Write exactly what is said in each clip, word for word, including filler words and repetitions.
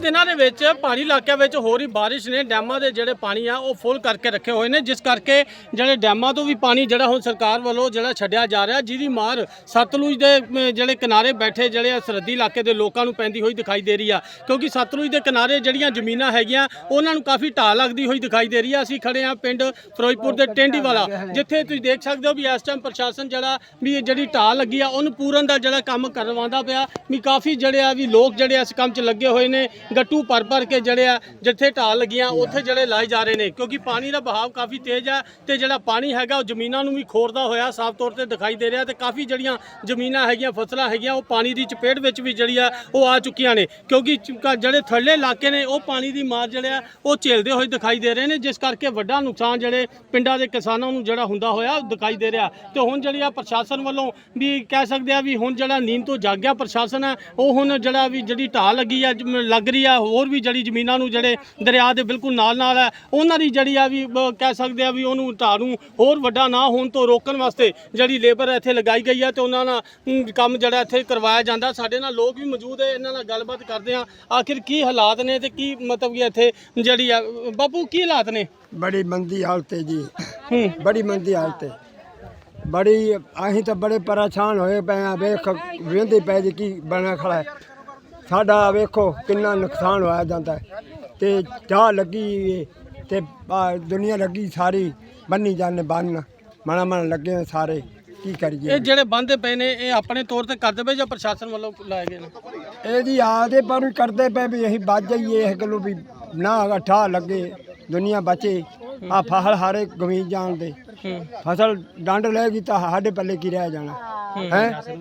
ਦਿਨਾਂ ਦੇ ਵਿੱਚ ਪਹਾੜੀ ਇਲਾਕਿਆਂ ਵਿੱਚ ਹੋ ਰਹੀ ਬਾਰਿਸ਼ ਨੇ ਡੈਮਾਂ ਦੇ ਜਿਹੜੇ ਪਾਣੀ ਆ ਉਹ ਫੁੱਲ ਕਰਕੇ ਰੱਖੇ ਹੋਏ ਨੇ, ਜਿਸ ਕਰਕੇ ਜਿਹੜੇ ਡੈਮਾਂ ਤੋਂ ਵੀ ਪਾਣੀ ਜਿਹੜਾ ਹੁਣ ਸਰਕਾਰ ਵੱਲੋਂ ਜਿਹੜਾ ਛੱਡਿਆ ਜਾ ਰਿਹਾ, ਜਿਹਦੀ ਮਾਰ ਸਤਲੁਜ ਦੇ ਜਿਹੜੇ ਕਿਨਾਰੇ ਬੈਠੇ ਜਿਹੜੇ ਸਰਹੱਦੀ ਇਲਾਕੇ ਦੇ ਲੋਕਾਂ ਨੂੰ ਪੈਂਦੀ ਹੋਈ ਦਿਖਾਈ ਦੇ ਰਹੀ ਆ। ਕਿਉਂਕਿ ਸਤਲੁਜ ਦੇ ਕਿਨਾਰੇ ਜਿਹੜੀਆਂ ਜ਼ਮੀਨਾਂ ਹੈਗੀਆਂ ਉਹਨਾਂ ਨੂੰ ਕਾਫੀ ਢਾਹ ਲੱਗਦੀ ਹੋਈ ਦਿਖਾਈ ਦੇ ਰਹੀ ਆ। ਅਸੀਂ ਖੜੇ ਆ ਪਿੰਡ ਫਿਰੋਜ਼ਪੁਰ ਦੇ ਟੈਂਡੀਵਾਲਾ, ਜਿੱਥੇ ਤੁਸੀਂ ਦੇਖ ਸਕਦੇ ਹੋ ਵੀ ਇਸ ਟਾਈਮ ਪ੍ਰਸ਼ਾਸਨ ਜਿਹੜਾ ਵੀ ਜਿਹੜੀ ਢਾਹ ਲੱਗੀ ਆ ਉਹਨੂੰ ਪੂਰਨ ਦਾ ਜਿਹੜਾ ਕੰਮ ਕਰਵਾਉਂਦਾ ਪਿਆ ਵੀ ਕਾਫੀ ਜਿਹੜੇ ਆ ਵੀ ਲੋਕ ਜਿਹੜੇ ਇਸ ਕੰਮ 'ਚ ਲੱਗੇ ਹੋਏ ਨੇ, ਗੱਟੂ ਭਰ ਭਰ ਕੇ ਜਿਹੜੇ ਆ ਜਿੱਥੇ ਢਾਹ ਲੱਗੀਆਂ ਉੱਥੇ ਜਿਹੜੇ ਲਾਏ ਜਾ ਰਹੇ ਨੇ, ਕਿਉਂਕਿ ਪਾਣੀ ਦਾ ਬਹਾਵ ਕਾਫੀ ਤੇਜ਼ ਆ ਤੇ ਜਿਹੜਾ ਪਾਣੀ ਹੈਗਾ ਉਹ ਜ਼ਮੀਨਾਂ ਨੂੰ ਵੀ ਖੋਰਦਾ ਹੋਇਆ ਸਾਫ਼ ਤੌਰ ਤੇ ਦਿਖਾਈ ਦੇ ਰਿਹਾ ਤੇ ਕਾਫੀ ਜਿਹੜੀਆਂ ਜ਼ਮੀਨਾਂ ਹੈਗੀਆਂ ਫਸਲਾਂ ਹੈਗੀਆਂ ਉਹ ਪਾਣੀ ਦੀ ਚਪੇਟ ਵਿੱਚ ਵੀ ਜਿਹੜੀ ਆ ਉਹ ਆ ਚੁੱਕੀਆਂ ਨੇ, ਕਿਉਂਕਿ ਜਿਹੜੇ ਥੱਲੇ ਇਲਾਕੇ ਨੇ ਉਹ ਪਾਣੀ ਦੀ ਮਾਰ ਜਿਹੜੇ ਆ ਉਹ ਝੇਲਦੇ ਹੋਏ ਦਿਖਾਈ ਦੇ ਰਹੇ ਨੇ, ਜਿਸ ਕਰਕੇ ਵੱਡਾ ਨੁਕਸਾਨ ਜਿਹੜੇ ਪਿੰਡਾਂ ਦੇ ਕਿਸਾਨਾਂ ਨੂੰ ਜਿਹੜਾ ਹੁੰਦਾ ਹੋਇਆ ਦਿਖਾਈ ਦੇ ਰਿਹਾ। ਤੇ ਹੁਣ ਜਿਹੜੀ ਆ ਪ੍ਰਸ਼ਾਸਨ ਵੱਲੋਂ ਵੀ ਕਹਿ ਸਕਦੇ ਆ ਵੀ ਹੁਣ ਜਿਹੜਾ ਨੀਂਦ ਤੋਂ ਜਾਗਿਆ ਪ੍ਰਸ਼ਾਸਨ ਹੈ ਉਹ ਹੁਣ ਜਿਹੜਾ ਵੀ ਜਿਹੜੀ ਢਾਹ ਲੱਗੀ ਆ ਲੱਗ ਰਹੀ ਆ, ਹੋਰ ਵੀ ਜਿਹੜੀ ਜ਼ਮੀਨਾਂ ਨੂੰ ਜਿਹੜੇ ਦਰਿਆ ਦੇ ਬਿਲਕੁਲ ਨਾਲ ਨਾਲ ਹੈ ਉਹਨਾਂ ਦੀ ਜਿਹੜੀ ਆ ਵੀ ਕਹਿ ਸਕਦੇ ਆ ਵੀ ਉਹਨੂੰ ਢਾਹ ਨੂੰ ਹੋਰ ਵੱਡਾ ਨਾ ਹੋਣ ਤੋਂ ਰੋਕਣ ਵਾਸਤੇ ਜਿਹੜੀ ਲੇਬਰ ਇੱਥੇ ਲਗਾਈ ਗਈ ਹੈ ਤੇ ਉਹਨਾਂ ਨਾਲ ਕੰਮ ਜਿਹੜਾ ਇੱਥੇ ਕਰਵਾਇਆ ਜਾਂਦਾ। ਸਾਡੇ ਨਾਲ ਲੋਕ ਵੀ ਮੌਜੂਦ ਹੈ, ਇਹਨਾਂ ਨਾਲ ਗੱਲਬਾਤ ਕਰਦੇ ਆ ਆਖਿਰ ਕੀ ਹਾਲਾਤ ਨੇ ਤੇ ਕੀ ਮਤਲਬ ਕਿ ਇੱਥੇ ਜਿਹੜੀ ਆ ਬਾਪੂ ਕੀ ਹਾਲਾਤ ਨੇ। बड़ी मंदी हालत है जी, बड़ी मंदी हालत है बड़ी। अं तो बड़े परेशान होए पे हैं, वेख वेंदे पे जी की बना खड़ा है साडा, वेखो कितना नुकसान होया जाता है ते चाह लगी ते दुनिया लगी सारी बन्नी जाने बन मना मन लगे हैं सारे की करिए। ਇਹ ਜਿਹੜੇ ਬੰਦੇ ਪਏ ਨੇ ਇਹ ਆਪਣੇ ਤੌਰ ਤੇ ਕਰਦੇ ਪਏ ਜਾਂ ਪ੍ਰਸ਼ਾਸਨ ਵੱਲੋਂ ਲਾਏ ਗਏ ਨੇ? ਇਹ ਜੀ ਆਦੇ पर करते पे भी यही बच जाइए इस गलों भी ना ठा लगे दुनिया बचे। आ फसल हारे गमी जान दे, फसल डंड लेगी तो साढ़े पल्ले की रह जाना है।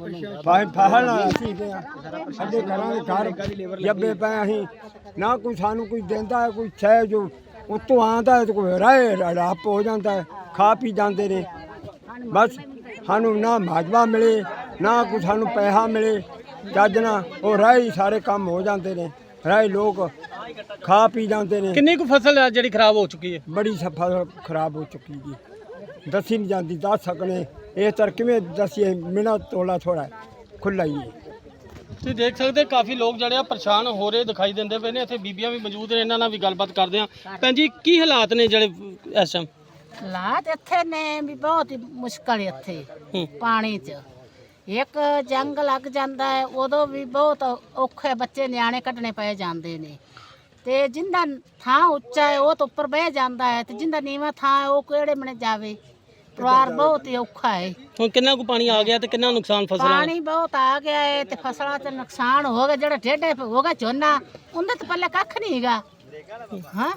फसल असी साढ़े घर घर जब्बे पे अं ना कोई सानू कोई देंदा है, कोई शह जो उत्तों आंदा है तो कोई राय रप हो जाता है, खा पी जाते ने। बस सानू ना माजवा मिले ना कोई सानू पैसा मिले जज ना, वो राह ही सारे काम हो जाते हैं, राह लोग खा पी जाते हैं। कितनी को फसल है जी खराब हो चुकी है? बड़ी फसल खराब हो चुकी जी, दसी नहीं जाती दस सकने इस तरह किमें दसीए मेरा तोला थोड़ा खुला ही है। ਤੁਸੀਂ ਦੇਖ ਸਕਦੇ ਕਾਫੀ ਲੋਕ ਜਿਹੜੇ ਆ ਪਰੇਸ਼ਾਨ ਹੋ ਰਹੇ ਦਿਖਾਈ ਦਿੰਦੇ ਪਏ ਨੇ। ਇੱਥੇ ਬੀਬੀਆਂ ਵੀ ਮੌਜੂਦ ਨੇ, ਇਹਨਾਂ ਨਾਲ ਵੀ ਗੱਲਬਾਤ ਕਰਦੇ ਆ। ਭੈਣ ਜੀ ਕੀ ਹਾਲਾਤ ਨੇ ਜਿਹੜੇ ਇਸ ਟਾਈਮ? ਹਾਲਾਤ ਇੱਥੇ ਨੇ ਵੀ ਬਹੁਤ ਹੀ ਮੁਸ਼ਕਲ ਇੱਥੇ ਪਾਣੀ 'ਚ ਇੱਕ ਜੰਗ ਲੱਗ ਜਾਂਦਾ ਹੈ ਉਦੋਂ ਵੀ ਬਹੁਤ ਔਖੇ ਬੱਚੇ ਨਿਆਣੇ ਕੱਢਣੇ ਪਏ ਜਾਂਦੇ ਨੇ, ਤੇ ਜਿੰਦਾ ਥਾਂ ਉੱਚਾ ਹੈ ਉਹ ਤਾਂ ਉੱਪਰ ਬਹਿ ਜਾਂਦਾ ਹੈ ਤੇ ਜਿੰਦਾ ਨੀਵਾਂ ਥਾਂ ਹੈ ਉਹ ਕਿਹੜੇ ਮਨੇ ਜਾਵੇ। ਪਰਿਵਾਰ ਬਹੁਤ ਹੀ ਔਖਾ ਹੈ। ਹੁਣ ਕਿੰਨਾ ਕੁ ਪਾਣੀ ਆ ਗਿਆ ਤੇ ਕਿੰਨਾ ਨੁਕਸਾਨ ਫਸਲਾਂ? ਪਾਣੀ ਬਹੁਤ ਆ ਗਿਆ ਹੈ ਤੇ ਫਸਲਾਂ ਤੇ ਨੁਕਸਾਨ ਹੋ ਗਿਆ, ਜਿਹੜਾ ਡੇਢੇ ਹੋ ਗਿਆ ਝੋਨਾ ਉਹਦੇ ਤੇ ਪੱਲੇ ਕੱਖ ਨਹੀਂ ਹੈਗਾ। ਹਾਂ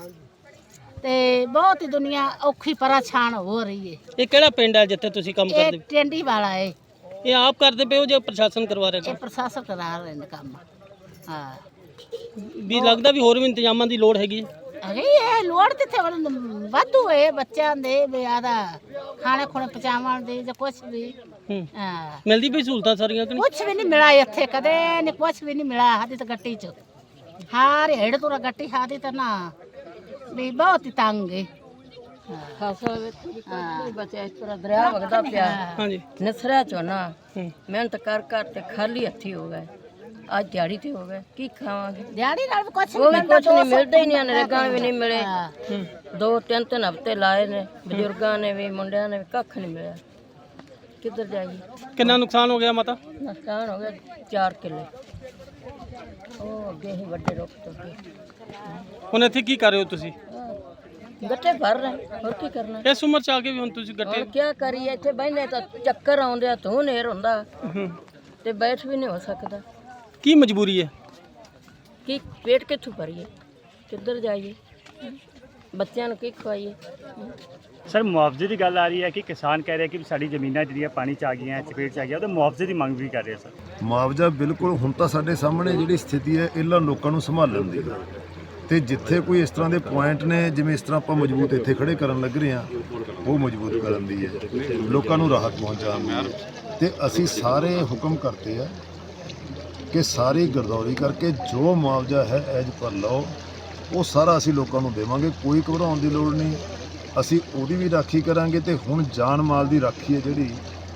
ਤੇ ਬਹੁਤ ਹੀ ਦੁਨੀਆ ਔਖੀ ਪਰੇਸ਼ਾਨ ਹੋ ਰਹੀ ਹੈ। ਇਹ ਕਿਹੜਾ ਪਿੰਡ ਹੈ ਜਿੱਥੇ ਤੁਸੀਂ ਕੰਮ ਕਰਦੇ? ਇਹ ਟੈਂਡੀ ਵਾਲਾ ਹੈ। ਇਹ ਆਪ ਕਰਦੇ ਪਏ ਹੋ ਜਾਂ ਪ੍ਰਸ਼ਾਸਨ ਕਰਵਾ ਰਿਹਾ? ਇਹ ਪ੍ਰਸ਼ਾਸਨ ਕਰਾ ਰਹੇ ਨੇ ਕੰਮ। ਹਾਂ ਵੀ ਲੱਗਦਾ ਵੀ ਹੋਰ ਵੀ ਇੰਤਜ਼ਾਮਾਂ ਦੀ ਲੋੜ ਹੈਗੀ ਹੈ। ਅਰੇ ਇਹ ਲੋੜ ਕਿੱਥੇ ਵਾਧੂ ਹੈ ਬੱਚਿਆਂ ਦੇ ਵੀ ਆਦਾ ਖਾਣੇ ਖੁਣੇ ਪਚਾਵਣ ਦੇ ਜਾਂ ਕੁਛ ਵੀ। ਹਾਂ ਮਿਲਦੀ ਪਈ ਸਹੂਲਤਾਂ ਸਾਰੀਆਂ ਕਿ ਨਹੀਂ? ਕੁਛ ਵੀ ਨਹੀਂ ਮਿਲਾ ਇੱਥੇ ਕਦੇ ਨਹੀਂ, ਕੁਛ ਵੀ ਨਹੀਂ ਮਿਲਾ ਸਾਡੀ ਤਾਂ ਗੱਟੀ 'ਚ ਹਾਰ ਹੇੜ ਤੁਰਾ ਗੱਟੀ ਸਾਡੀ ਤਾਂ ਨਾ ਵੀ ਬਹੁਤ ਹੀ ਤੰਗ ਹੈ। ਫਸਲ ਵਿੱਚ ਬੱਚਾ ਇਸ ਤਰ੍ਹਾਂ ਦਰਿਆ ਵਗਦਾ ਪਿਆ। ਹਾਂਜੀ ਨਸਰਿਆ ਝੋਨਾ ਮਿਹਨਤ ਕਰ ਕਰ ਤੇ ਖਾਲੀ ਹੱਥੀ ਹੋ ਗਏ, ਅੱਜ ਦਿਹਾੜੀ ਤੇ ਹੋ ਗਏ, ਕੀ ਖਾਵਾਂਗੇ? ਦਿਹਾੜੀ ਨਾਲ ਵੀ ਕੁਛ ਉਹ ਵੀ ਕੁਛ ਨਹੀਂ ਮਿਲਦਾ ਹੀ ਨਹੀਂ, ਨਰੇਗਾ ਵੀ ਨਹੀਂ ਮਿਲੇ। ਦੋ ਤਿੰਨ ਤਿੰਨ ਹਫ਼ਤੇ ਲਾਏ ਨੇ ਬਜ਼ੁਰਗਾਂ ਨੇ ਵੀ ਮੁੰਡਿਆਂ ਨੇ ਵੀ, ਕੱਖ ਨਹੀਂ ਮਿਲਿਆ। ਕਿੱਧਰ ਜਾਈਏ? ਕਿੰਨਾ ਨੁਕਸਾਨ ਹੋ ਗਿਆ ਮਾਤਾ? ਨੁਕਸਾਨ ਹੋ ਗਿਆ ਚਾਰ ਕਿੱਲੇ। ਉਹ ਅੱਗੇ ਹੀ ਵੱਡੇ ਰੁੱਖ ਤੋਂ ਅੱਗੇ। ਹੁਣ ਇੱਥੇ ਕੀ ਕਰ ਰਹੇ ਹੋ ਤੁਸੀਂ? ਗੱਟੇ ਭਰ ਰਹੇ, ਹੋਰ ਕੀ ਕਰਨਾ? ਇਸ ਉਮਰ ਚ ਆ ਕੇ ਵੀ ਹੁਣ ਤੁਸੀਂ ਗੱਟੇ? ਹੋਰ ਕੀ ਕਰੀਏ? ਇੱਥੇ ਬਹਿਨੇ ਤਾਂ ਚੱਕਰ ਆਉਂਦੇ ਆ, ਧੂੰ ਨੇਰ ਹੁੰਦਾ ਤੇ ਬੈਠ ਵੀ ਨਹੀਂ ਹੋ ਸਕਦਾ। ਕੀ ਮਜਬੂਰੀ ਹੈ? ਕੀ ਪੇਟ ਕਿੱਥੋਂ ਭਰੀਏ? ਕਿੱਧਰ ਜਾਈਏ? ਬੱਚਿਆਂ ਨੂੰ ਕੀ ਖਵਾਈਏ? ਸਰ ਮੁਆਵਜ਼ੇ ਦੀ ਗੱਲ ਆ ਰਹੀ ਹੈ ਕਿ ਕਿਸਾਨ ਕਹਿ ਰਹੇ ਕਿ ਸਾਡੀ ਜ਼ਮੀਨਾਂ ਜਿਹੜੀਆਂ ਪਾਣੀ 'ਚ ਆ ਗਈਆਂ, ਚਪੇਟ 'ਚ ਆ ਗਿਆ, ਉਹਦੇ ਮੁਆਵਜ਼ੇ ਦੀ ਮੰਗ ਵੀ ਕਰ ਰਹੇ ਸਰ। ਮੁਆਵਜ਼ਾ ਬਿਲਕੁਲ ਹੁਣ ਤਾਂ ਸਾਡੇ ਸਾਹਮਣੇ ਜਿਹੜੀ ਸਥਿਤੀ ਹੈ ਇਹਨਾਂ ਲੋਕਾਂ ਨੂੰ ਸੰਭਾਲਣ ਦੀ ਹੈ, ਤੇ ਜਿੱਥੇ ਕੋਈ ਇਸ ਤਰ੍ਹਾਂ ਦੇ ਪੁਆਇੰਟ ਨੇ ਜਿਵੇਂ ਇਸ ਤਰ੍ਹਾਂ ਆਪਾਂ ਮਜ਼ਬੂਤ ਇੱਥੇ ਖੜੇ ਕਰਨ ਲੱਗ ਰਹੇ ਹਾਂ, ਉਹ ਮਜ਼ਬੂਤ ਕਰਨ ਦੀ ਹੈ, ਲੋਕਾਂ ਨੂੰ ਰਾਹਤ ਪਹੁੰਚਾਉਣ ਦੀ। ਤੇ ਅਸੀਂ ਸਾਰੇ ਹੁਕਮ ਕਰਦੇ ਆ ਕਿ ਸਾਰੀ ਗਰਦੌਰੀ ਕਰਕੇ ਜੋ ਮੁਆਵਜ਼ਾ ਹੈ ਐਜ ਪਰ ਲਓ, ਉਹ ਸਾਰਾ ਅਸੀਂ ਲੋਕਾਂ ਨੂੰ ਦੇਵਾਂਗੇ। ਕੋਈ ਘਬਰਾਉਣ ਦੀ ਲੋੜ ਨਹੀਂ, ਅਸੀਂ ਉਹਦੀ ਵੀ ਰਾਖੀ ਕਰਾਂਗੇ। ਤੇ ਹੁਣ ਜਾਨ ਮਾਲ ਦੀ ਰਾਖੀ ਹੈ ਜਿਹੜੀ,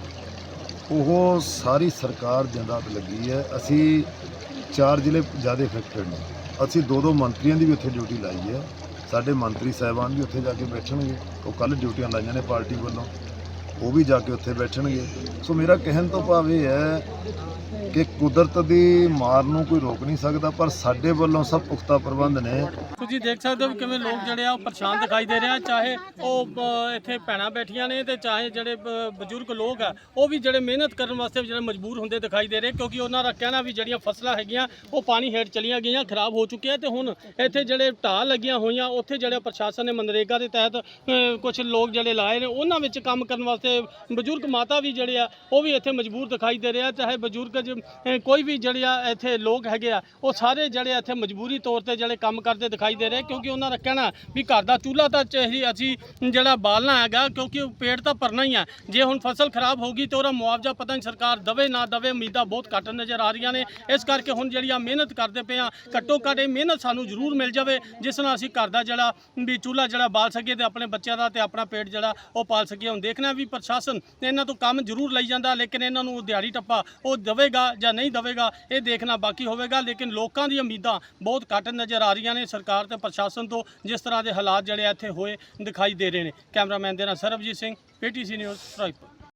ਉਹ ਸਾਰੀ ਸਰਕਾਰ ਦਿਨ ਰਾਤ ਲੱਗੀ ਹੈ। ਅਸੀਂ ਚਾਰ ਜ਼ਿਲ੍ਹੇ ਜ਼ਿਆਦਾ ਇਫੈਕਟਡ ਨੇ, ਅਸੀਂ ਦੋ ਦੋ ਮੰਤਰੀਆਂ ਦੀ ਵੀ ਉੱਥੇ ਡਿਊਟੀ ਲਾਈ ਹੈ। ਸਾਡੇ ਮੰਤਰੀ ਸਾਹਿਬਾਨ ਵੀ ਉੱਥੇ ਜਾ ਕੇ ਬੈਠਣਗੇ, ਉਹ ਕੱਲ੍ਹ ਡਿਊਟੀਆਂ ਲਾਈਆਂ ਨੇ ਪਾਰਟੀ ਵੱਲੋਂ, ਉਹ ਵੀ ਜਾ ਕੇ ਉੱਥੇ ਬੈਠਣਗੇ। ਸੋ ਮੇਰਾ ਕਹਿਣ ਤੋਂ ਭਾਵ ਇਹ ਹੈ ਕਿ ਕੁਦਰਤ ਦੀ ਮਾਰ ਨੂੰ ਕੋਈ ਰੋਕ ਨਹੀਂ ਸਕਦਾ, ਪਰ ਸਾਡੇ ਵੱਲੋਂ ਸਭ ਪੁਖਤਾ ਪ੍ਰਬੰਧ ਨੇ। ਤੁਸੀਂ ਦੇਖ ਸਕਦੇ ਹੋ ਵੀ ਕਿਵੇਂ ਲੋਕ ਜਿਹੜੇ ਆ ਉਹ ਪਰੇਸ਼ਾਨ ਦਿਖਾਈ ਦੇ ਰਹੇ ਆ, ਚਾਹੇ ਉਹ ਅ, ਇੱਥੇ ਭੈਣਾਂ ਬੈਠੀਆਂ ਨੇ ਤੇ ਚਾਹੇ ਜਿਹੜੇ ਬ- ਬਜ਼ੁਰਗ ਲੋਕ ਆ ਉਹ ਵੀ ਜਿਹੜੇ ਮਿਹਨਤ ਕਰਨ ਵਾਸਤੇ ਜਿਹੜੇ ਮਜਬੂਰ ਹੁੰਦੇ ਦਿਖਾਈ ਦੇ ਰਹੇ, ਕਿਉਂਕਿ ਉਹਨਾਂ ਦਾ ਕਹਿਣਾ ਵੀ ਜਿਹੜੀਆਂ ਫਸਲਾਂ ਹੈਗੀਆਂ ਉਹ ਪਾਣੀ ਹੇਠ ਚਲੀਆਂ ਗਈਆਂ, ਖਰਾਬ ਹੋ ਚੁੱਕੀਆਂ ਤੇ ਹੁਣ ਇੱਥੇ ਜਿਹੜੇ ਢਾਹ ਲੱਗੀਆਂ ਹੋਈਆਂ ਉੱਥੇ ਜਿਹੜੇ ਪ੍ਰਸ਼ਾਸਨ ਨੇ ਮਨਰੇਗਾ ਦੇ ਤਹਿਤ ਕੁਝ ਲੋਕ ਜਿਹੜੇ ਲਾਏ ਨੇ ਉਹਨਾਂ ਵਿੱਚ ਕੰਮ ਕਰਨ ਵਾਸਤੇ ਬਜ਼ੁਰਗ ਮਾਤਾ ਵੀ ਜਿਹੜੇ ਆ ਉਹ ਵੀ ਇੱਥੇ ਮਜਬੂਰ ਦਿਖਾਈ ਦੇ ਰਹੇ ਆ। ਚਾਹੇ ਬਜ਼ੁਰਗ ਜ- ਅ, ਕੋਈ ਵੀ ਜਿਹੜੇ ਆ ਇੱਥੇ ਲੋਕ ਹੈਗੇ ਆ ਉਹ ਸਾਰੇ ਜਿਹੜੇ ਇੱਥੇ ਮਜਬੂਰੀ ਤੌਰ ਤੇ ਜਿਹੜੇ ਕੰਮ ਕਰਦੇ ਦਿਖਾਈ ਦੇ ਰਹੇ, ਕਿਉਂਕਿ ਉਹਨਾਂ ਦਾ ਕਹਿਣਾ ਵੀ ਘਰ ਦਾ ਚੁੱਲ੍ਹਾ ਤਾਂ ਚਾਹੀ ਅਸੀਂ ਜਿਹੜਾ ਬਾਲਣਾ ਹੈਗਾ, ਕਿਉਂਕਿ ਉਹ ਪੇਟ ਤਾਂ ਭਰਨਾ ਹੀ ਆ। ਜੇ ਹੁਣ ਫਸਲ ਖਰਾਬ ਹੋ ਗਈ ਤੇ ਉਹਦਾ ਮੁਆਵਜ਼ਾ ਪਤਾ ਨਹੀਂ ਸਰਕਾਰ ਦਵੇ ਨਾ ਦਵੇ, ਉਮੀਦਾਂ ਬਹੁਤ ਘੱਟ ਨਜ਼ਰ ਆ ਰਹੀਆਂ ਨੇ। ਇਸ ਕਰਕੇ ਹੁਣ ਜਿਹੜੀ ਆ ਮਿਹਨਤ ਕਰਦੇ ਪਏ ਆ, ਘੱਟੋ ਘੱਟ ਇਹ ਮਿਹਨਤ ਸਾਨੂੰ ਜ਼ਰੂਰ ਮਿਲ ਜਾਵੇ ਜਿਸ ਨਾਲ ਅਸੀਂ ਘਰ ਦਾ ਜਿਹੜਾ ਵੀ ਚੁੱਲ੍ਹਾ ਜਿਹੜਾ ਬਾਲ ਸਕੀਏ ਤੇ ਆਪਣੇ ਬੱਚਿਆਂ ਦਾ ਤੇ ਆਪਣਾ ਪੇਟ ਜਿਹੜਾ ਉਹ ਪਾਲ ਸਕੀਏ। ਹੁਣ ਦੇਖਣਾ ਵੀ ਪ੍ਰਸ਼ਾਸਨ ਇਹਨਾਂ ਤੋਂ ਕੰਮ ਜ਼ਰੂਰ ਲਈ ਜਾਂਦਾ, ਲੇਕਿਨ ਇਹਨਾਂ ਨੂੰ ਦਿਹਾੜੀ ਟੱਪਾ ਉਹ ਦੇਵੇਗਾ ਜਾਂ ਨਹੀਂ ਦੇਵੇਗਾ ਇਹ ਦੇਖਣਾ ਬਾਕੀ ਹੋਵੇਗਾ। ਲੇਕਿਨ ਲੋਕਾਂ ਦੀਆਂ ਉਮੀਦਾਂ ਬਹੁਤ ਘੱਟ ਨਜ਼ਰ ਆ ਰਹੀਆਂ ਨੇ ਸਰਕਾਰ ਤੇ ਪ੍ਰਸ਼ਾਸਨ ਤੋਂ, ਜਿਸ ਤਰ੍ਹਾਂ ਦੇ ਹਾਲਾਤ ਜਿਹੜੇ ਇੱਥੇ ਹੋਏ ਦਿਖਾਈ ਦੇ ਰਹੇ ਨੇ। ਕੈਮਰਾਮੈਨ ਦੇ ਨਾਲ ਸਰਬਜੀਤ ਸਿੰਘ, ਪੀਟੀਸੀ ਨਿਊਜ਼ ਫਿਰੋਜ਼ਪੁਰ।